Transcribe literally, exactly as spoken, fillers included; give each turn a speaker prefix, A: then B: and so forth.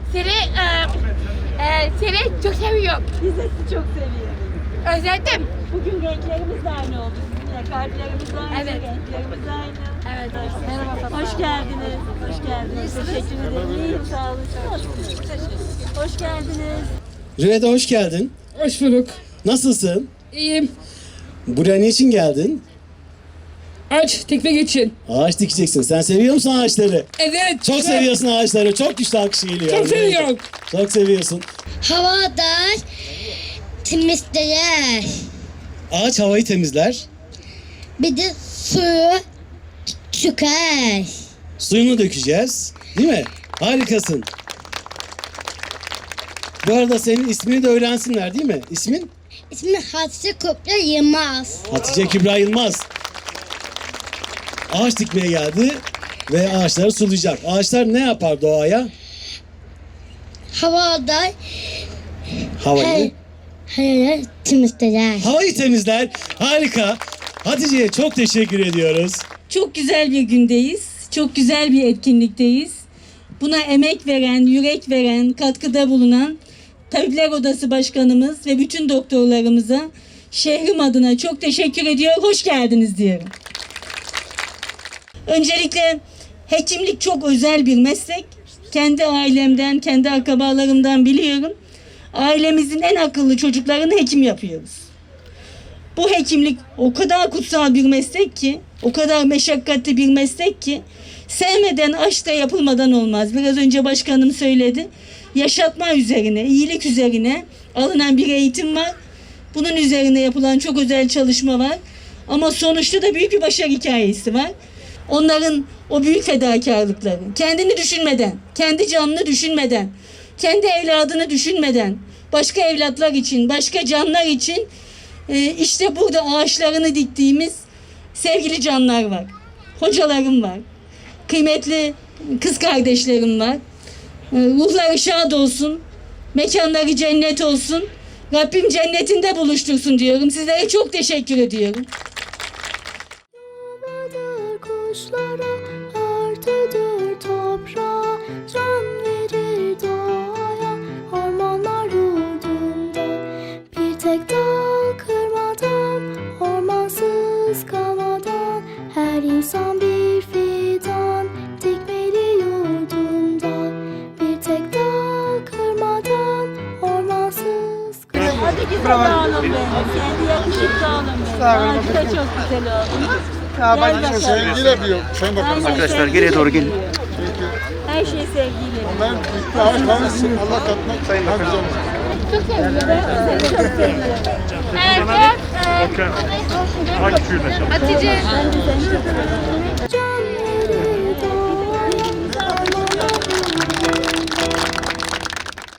A: Seni, e, e, seni çok seviyorum.
B: Biz de sizi çok seviyoruz.
A: Özledim.
B: Bugün renklerimiz de aynı oldu sizinle. Kalplerimiz aynı,
A: Evet.
B: renklerimiz aynı.
A: Evet. Merhaba Fatma.
B: Hoş geldiniz. Hoş geldiniz. Teşekkür ederim. İyiyim, sağ olun. Hoş geldiniz.
C: Rüveyda hoş geldin.
D: Hoş bulduk.
C: Nasılsın?
D: İyiyim.
C: Buraya niçin geldin?
D: Aç tekmek için.
C: Ağaç dikeceksin. Sen seviyor musun ağaçları?
D: Evet.
C: Çok seviyorsun ağaçları. Çok güçlü alkış geliyor.
D: Çok seviyorum.
C: Çok seviyorsun.
E: Havada temizler.
C: Ağaç havayı temizler.
E: Bir de suyu çıkar.
C: Suyunu dökeceğiz. Değil mi? Harikasın. Bu arada senin ismini de öğrensinler değil mi? İsmin?
E: İsmi Hatice Kopya Yılmaz.
C: Hatice Kübra Yılmaz. Ağaç dikmeye geldi ve ağaçları sulayacak. Ağaçlar ne yapar doğaya?
E: Havada
C: Havayı.
E: hayır temizler.
C: Havayı temizler. Harika. Hatice'ye çok teşekkür ediyoruz.
B: Çok güzel bir gündeyiz. Çok güzel bir etkinlikteyiz. Buna emek veren, yürek veren, katkıda bulunan Tabipler Odası Başkanımız ve bütün doktorlarımıza şehrim adına çok teşekkür ediyor. Hoş geldiniz diyorum. Öncelikle hekimlik çok özel bir meslek. Kendi ailemden, kendi akrabalarımdan biliyorum. Ailemizin en akıllı çocuklarını hekim yapıyoruz. Bu hekimlik o kadar kutsal bir meslek ki, o kadar meşakkatli bir meslek ki, sevmeden aşk da yapılmadan olmaz. Biraz önce başkanım söyledi. Yaşatma üzerine, iyilik üzerine alınan bir eğitim var. Bunun üzerine yapılan çok özel çalışma var. Ama sonuçta da büyük bir başarı hikayesi var. Onların o büyük fedakarlıkları, kendini düşünmeden, kendi canını düşünmeden, kendi evladını düşünmeden, başka evlatlar için, başka canlar için e, işte burada ağaçlarını diktiğimiz sevgili canlar var. Hocalarım var. Kıymetli kız kardeşlerim var. E, ruhları şad olsun. Mekanları cennet olsun. Rabbim cennetinde buluştursun diyorum. Sizlere çok teşekkür ediyorum.
F: Yuvadır kuşlara, örtüdür toprağa, can verir doğaya, ormanlar yurdunda. Bir tek dal kırmadan, ormansız kalmadan, her insan bir fidan, dikmeli yurdunda. Bir tek dal kırmadan, ormansız kalmadan.
B: Hadi güzel oğlum benim. Kendi yakışıklı oğlum benim. Ağacı da çok güzel oğlum. Gel bakalım.
G: Sevgiyle yapıyor. Sayın Bakanım.
B: Aynen,
H: Arkadaşlar
B: sevgiyle
H: geriye doğru gelin.
B: yapıyor. Her şey sevgiyle.
G: Ben bitti ağaç kalmışsın. Allah katmak sayın güzel olsun.
A: Çok seviyorum. Seni çok seviyorum. Evet. e, Hatice.
F: Can verir